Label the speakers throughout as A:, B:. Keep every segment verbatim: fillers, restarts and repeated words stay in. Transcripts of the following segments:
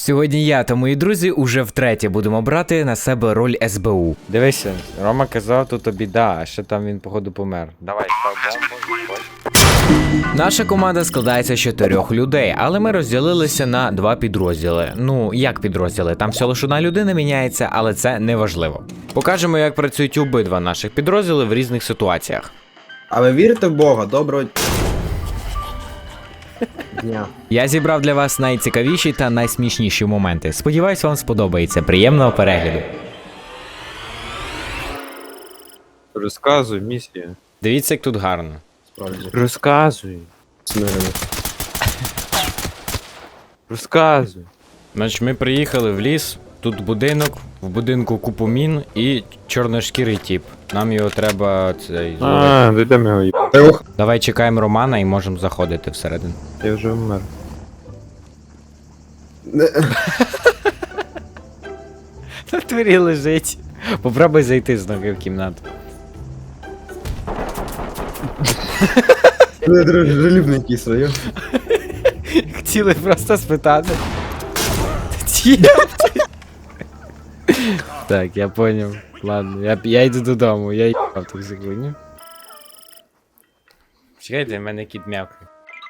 A: Сьогодні я та мої друзі уже втретє будемо брати на себе роль ес бе у.
B: Дивися, Рома казав, тут біда, а ще там він, походу, помер. Давай, став бомбу.
A: Наша команда складається з чотирьох людей, але ми розділилися на два підрозділи. Ну, як підрозділи? Там всього лише одна людина міняється, але це не важливо. Покажемо, як працюють обидва наших підрозділи в різних ситуаціях.
C: А ви вірите в Бога? Доброго дня.
A: Я зібрав для вас найцікавіші та найсмішніші моменти. Сподіваюсь, вам сподобається. Приємного перегляду.
B: Розказуй, місія.
A: Дивіться, як тут гарно.
C: Справді.
B: Розказуй.
C: Смирено.
B: Розказуй.
A: Значить, ми приїхали в ліс, тут будинок, в будинку купу мін і чорношкірий тіп. Нам його треба цей.
B: А, дійдемо його їб.
C: Ох,
A: Давай чекаємо Романа і можемо заходити всередину.
B: Я вже вмер.
A: На дворі лежить. Попробуй зайти з ноги в кімнату.
C: ви дружелюбний якийсь район.
A: Хотіли просто спитати. Так, я поняв. Ладно, я, я йду додому, я їбав так секунду. Чекайте, в мене кіт м'явкає.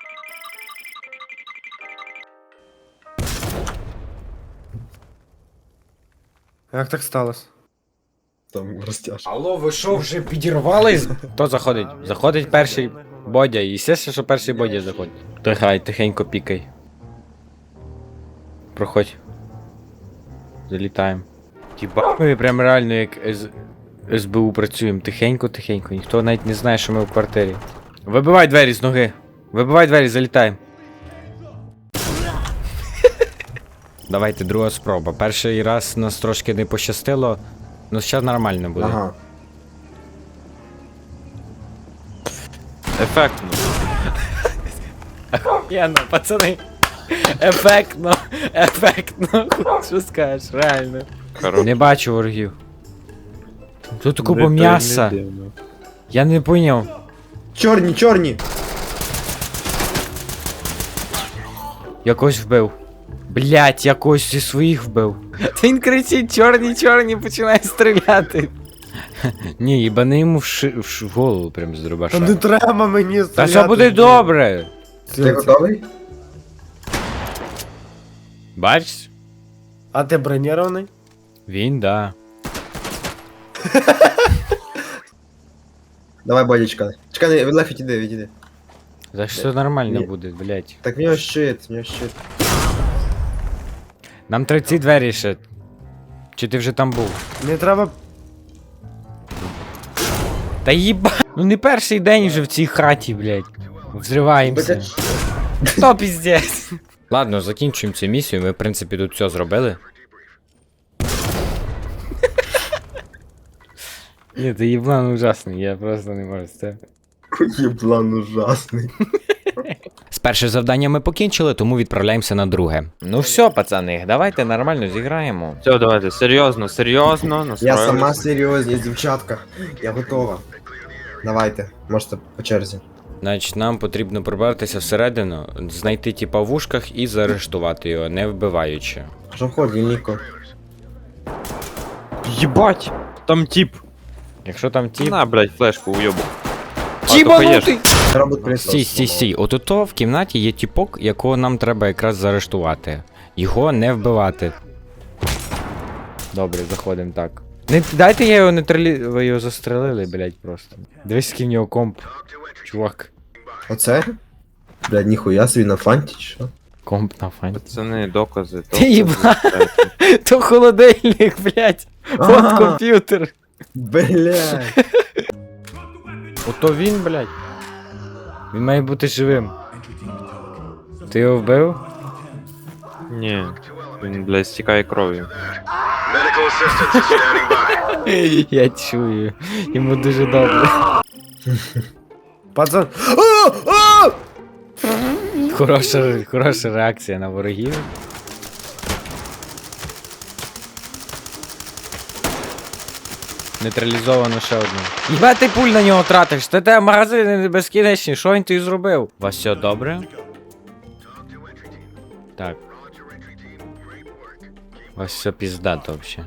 C: Як так сталося? Там розтяжка.
A: Алло, ви що, вже підірвались? Хто заходить? Заходить перший Бодя, і все, що перший Бодя заходить. Тихай, тихенько пікай. Проходь. Залітаємо. Тіба. Ми прям реально як ес бе у працюємо. Тихенько, тихенько. Ніхто навіть не знає, що ми в квартирі. Вибивай двері з ноги. Вибивай двері, залітаємо. Давайте друга спроба. Перший раз нас трошки не пощастило, ну зараз нормально буде.
C: Ага.
B: Ефектно.
A: Охуєнно, пацани. Ефектно, ефектно. Що скажеш, реально.
B: Хорош.
A: Не бачу ворогів. Тут купа
B: Не
A: м'яса.
B: дивно.
A: Я не поняв.
C: Чорні, чорні!
A: Якось вбив. Блять, якось зі своїх вбив. Та він кричить, чорні, чорні, починає стріляти. Ні, їбани йому в, ши... в, ш... в голову прям з дробаша.
C: Та не треба мені стріляти.
A: Та все буде добре.
C: Ти готовий?
A: Бачиш?
D: А ти бронірований?
A: Він, да.
C: Давай, Бодічка. Чекай, не, Леф, відійди, відійди.
A: За що нормально
C: Ні.
A: буде, блять.
C: Так в нього щит, в нього щит.
A: Нам треба ці двері ще. Чи ти вже там був?
D: Не треба.
A: Та їба. Ну не перший день вже в цій хаті, блять. Взриваємося. То піздець. Ладно, закінчуємо цю місію. Ми, в принципі, тут все зробили. Ні, ти їблан ужасний, я просто не можу з це.
C: Єблан ужасний.
A: З перше завдання ми покінчили, тому відправляємося на друге. Ну все, пацани, давайте нормально зіграємо.
B: Все, давайте, серйозно, серйозно,
C: Я
B: настроїлися.
C: сама серйозність, дівчатка. Я готова. Давайте, можете по черзі.
A: Значить, нам потрібно пробратися всередину, знайти тіпа в ушках і заарештувати його, не вбиваючи.
C: Що входить, Ніко?
B: Єбать! Там тип.
A: Якщо там тіп...
B: На, блядь, флешку уйобу.
A: Тібанутий!
C: Робот принесла.
A: Стій, стій, стій. От то в кімнаті є тіпок, якого нам треба якраз заарештувати. Його не вбивати. Добре, заходимо так. Не дайте я його нейтралі... Ви його застрелили, блять, просто. Дивись, який в нього комп. Чувак.
C: Оце? Блядь, ніхуя собі на фанті, чи що?
A: Комп на фані.
B: Пацани, докази.
A: Ти їба. То холодильник, блять. От
C: Ага.
A: комп'ютер.
C: Блядь.
A: Ото він, блять. Він має бути живим. Ти його вбив?
B: Ні. Він, блядь, стікає кров'ю.
A: Я чую. Йому дуже добре.
D: Пацан.
A: Хороша, хороша реакція на ворогів. Нейтралізовано ще одну. Єба ти пуль на нього тратиш? Та те магазини не безкінечні, що він тобі зробив? У вас все добре? Так.
B: У вас все піздато вообще.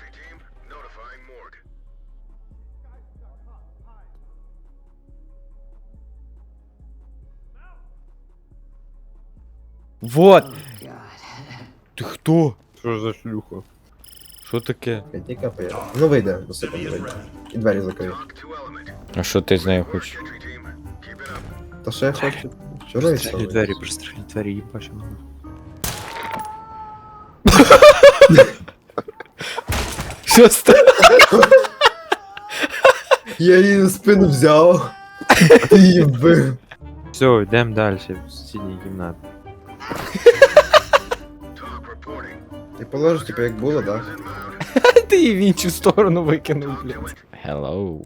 B: Вот! Ти хто?
E: Що за шлюха?
B: Що таке?
C: П'яти кп. Ну вийде, до себе вийде. І двері закрий.
B: А що ти з нею хочеш?
C: Та ще я хочу. Чого я
E: Пристрелі двері, пристрелі двері, їбачу.
B: Що стало?
C: Я її на спину взяв. Ти її вбив.
E: Все, йдемо далі, в сусідній кімнаті.
C: Ти положиш, типу, як було, да?
B: Ти її в іншу сторону викинув, блядь. Hello.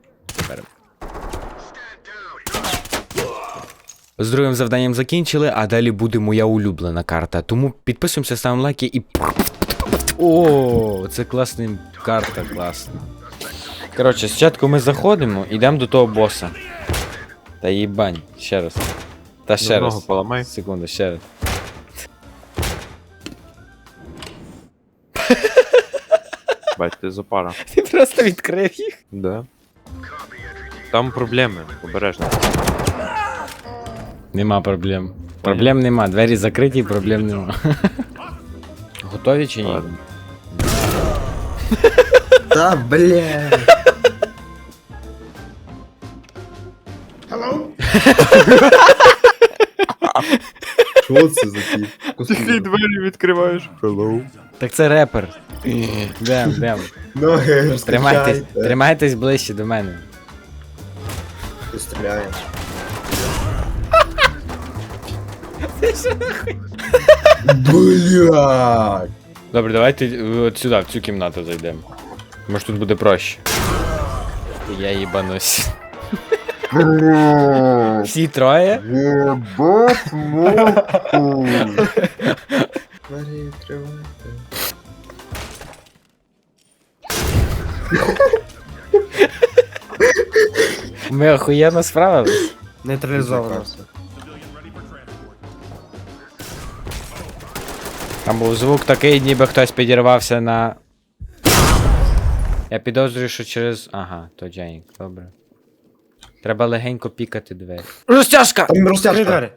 B: З другим завданням закінчили, а далі буде моя улюблена карта. Тому підписуємося, ставимо лайки і. О, це класна карта, класна. Коротше, спочатку ми заходимо, йдемо до того боса. Та їбань, ще раз. Та ще
E: Ногу
B: раз.
E: поламай.
B: Секунду, ще раз.
E: Бать, ти запара.
B: Ти просто відкрив їх.
E: Да. Там проблеми, обережно.
B: Нема проблем. Проблем нема, двері закриті, проблем нема. Готові чи ні?
E: Ладно.
C: Та, бля. Hello? Що це за ті?
E: двері відкриваєш. Hello.
B: Так це репер. Дем, дем.
C: Ноги
B: Тримайтесь,
C: розкачайте.
B: тримайтесь ближче до мене.
C: Ти стріляєш. Блядь.
B: Добре, давайте от сюди, в цю кімнату зайдемо. Може тут буде проще. Я їбанусь. Всі троє?
C: Єбать мовку. Двері відкривайте.
B: Ми охуєнно справились.
D: Нейтралізовано.
B: Там був звук такий, ніби хтось підірвався на. Я підозрюю, що через. Ага, то Дженік, добре. Треба легенько пікати двері. Розтяжка!
C: Там
D: Три
C: розтяжка.
D: двері.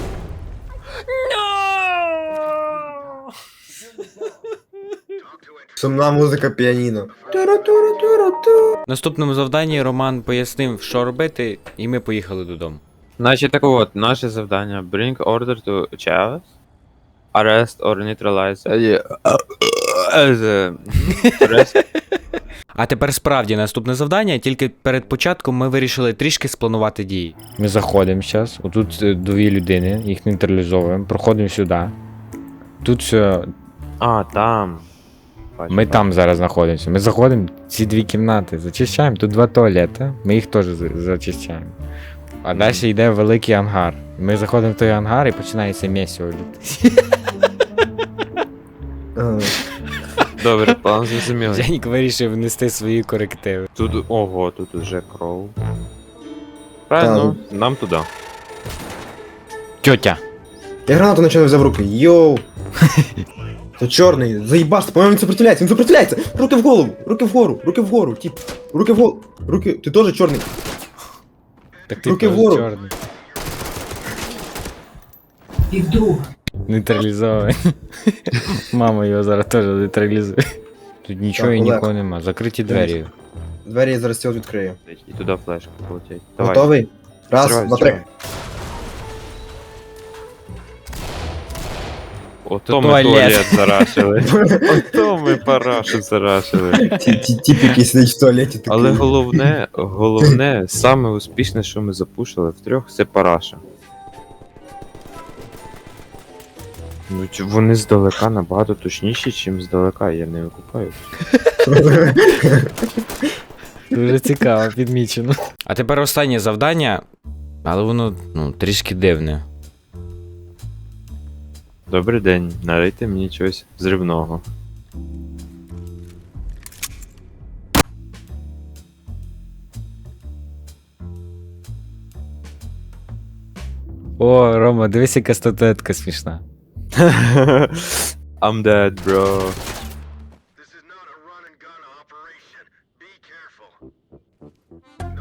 C: Сумна музика піаніно.
B: В наступному завданні Роман пояснив, що робити, і ми поїхали додому.
E: Значить, так от, наше завдання. Bring order to Chaos. Arrest or neutralize. Е, е, Arrest.
B: А тепер справді наступне завдання, тільки перед початком ми вирішили трішки спланувати дії. Ми заходимо зараз, отут е, дві людини, їх нейтралізовуємо, проходимо сюди. Тут все.
E: А, там. Бачу,
B: Ми
E: бачу.
B: там зараз знаходимося. Ми заходимо в ці дві кімнати, зачищаємо. Тут два туалети, ми їх теж за- зачищаємо. А далі йде великий ангар. Ми заходимо в той ангар і починається місіо.
C: Ага.
E: Добре, план зрозумілий.
B: Дженік вирішив внести свої корективи.
E: Тут, ого, тут уже кров. Правильно, нам туди.
B: Тьотя.
C: Я гранату начинаю взяв в руки. Йоу. Це чорний, заїбашся, по-моєму, він сопротивляється, він сопротивляється! Руки в голову, руки вгору, руки вгору, тип, руки вгору, руки, ти теж чорний.
B: Так ти
C: Руки
B: теж
C: вгору.
B: чорний. Нейтралізований. Мама його зараз теж нейтралізує. Тут нічого
C: Так,
B: і
C: Олег.
B: нікого нема. Закриті двері.
C: Двері я зараз цього відкрию.
E: І туди флешка полетять. Давай.
C: Готовий? Раз,
E: Зривай,
C: два, три.
E: зривай. Ото
B: То
E: ми
B: туалет.
E: туалет зарашили. Ото ми парашу зарашили.
C: Ті- ті- Тіп, який сидить в туалеті, такий.
E: Але головне, головне, саме успішне, що ми запушили втрьох, це параша. Ну, чи- вони здалека набагато точніші, ніж здалека, я не викупаю.
B: Дуже цікаво, підмічено. А тепер останнє завдання, але воно ну, трішки дивне.
E: Добрий день, налийте мені чогось зривного.
B: О, Рома, дивись, яка статуетка смішна.
E: I'm dead, bro.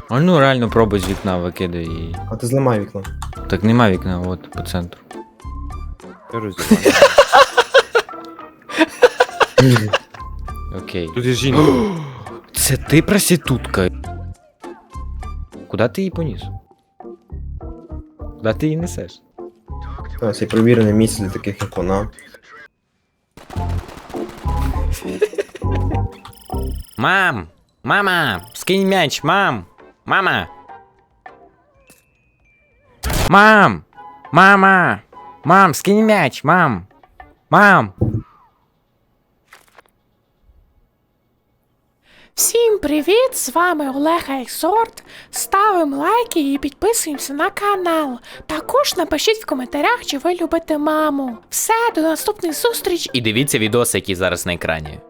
B: А ну реально пробуй з вікна викидай її.
C: А ти зламай вікно.
B: Так нема вікна, от по центру.
E: Я роздіваю.
B: Окей.
E: Тут є жінка.
B: Це ти проститутка. Куда ти її поніс? Куда ти її несеш?
C: Та, це провірене місце для таких, як вона.
B: Мам! Мама! Скинь м'яч, мам! Мама! Мам! Мама! Мам, скинь м'яч, мам! Мам!
F: Всім привіт! З вами Олег Ексорт. Ставимо лайки і підписуємося на канал. Також напишіть в коментарях, чи ви любите маму. Все, до наступних зустріч.
B: І дивіться відоси, які зараз на екрані.